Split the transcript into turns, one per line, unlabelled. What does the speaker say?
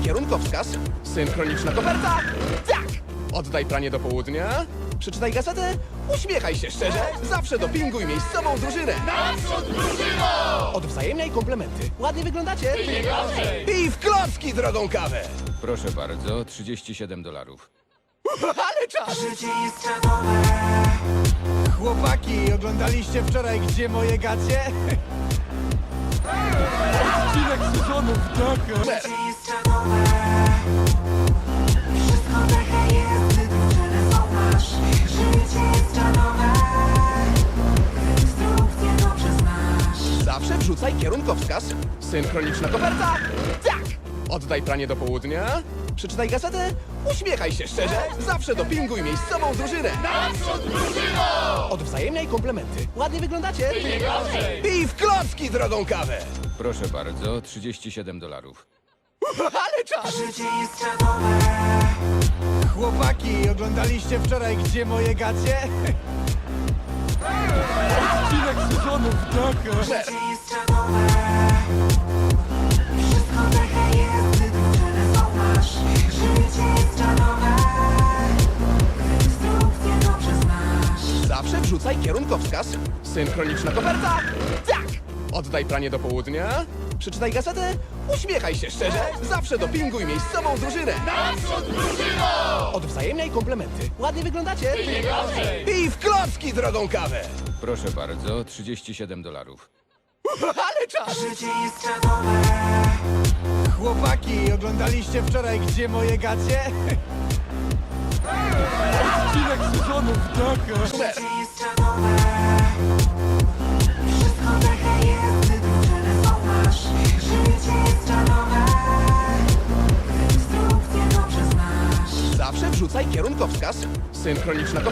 kierunkowskaz. Synchroniczna koperta. Tak! Oddaj pranie do południa. Przeczytaj gazetę. Uśmiechaj się szczerze. Zawsze dopinguj miejscową drużynę.
Naprzód drużyno!
Odwzajemniaj komplementy. Ładnie wyglądacie. I w klocki drogą kawę.
Proszę bardzo, $37.
Ale czas!
Życie jest czadowe.
Chłopaki, oglądaliście wczoraj Gdzie moje gacie? Odcinek sezonu w doku.
Życie jest czadowe. Wszystko takie jest, gdy drużynę zauważ. Życie jest czadowe. Instrukcje dobrze znasz.
Zawsze wrzucaj kierunkowskaz. Synchroniczna koperta. Tak! Oddaj pranie do południa. Przeczytaj gazetę. Uśmiechaj się szczerze. Zawsze dopinguj miejscową drużynę.
Naprzód drużyno!
Odwzajemniaj komplementy. Ładnie wyglądacie. I w klocki drogą kawę.
Proszę bardzo, $37.
Ale czas!
Życie jest czadowe.
Chłopaki, oglądaliście wczoraj Gdzie moje gacie? Odcinek sezonu w doku.
Życie jest czadowe. Wszystko takie jest, gdy drużynę zauważ. Życie jest czadowe. Instrukcje dobrze znasz.
Zawsze wrzucaj kierunkowskaz. Synchroniczna koperta. Tak! Oddaj pranie do południa. Przeczytaj gazetę. Uśmiechaj się szczerze. Zawsze dopinguj miejscową drużynę.
Naprzód drużyno!
Odwzajemniaj komplementy. Ładnie wyglądacie. I w klocki drogą kawę.
Proszę bardzo, $37.
Ale czas!
Życie jest czadowe.
Chłopaki, oglądaliście wczoraj Gdzie moje gacie? Odcinek sezonu w doku.
Życie jest czadowe. Wszystko takie jest, gdy drużynę zauważ. Życie jest czadowe. Instrukcje dobrze znasz.
Zawsze wrzucaj kierunkowskaz. Synchroniczna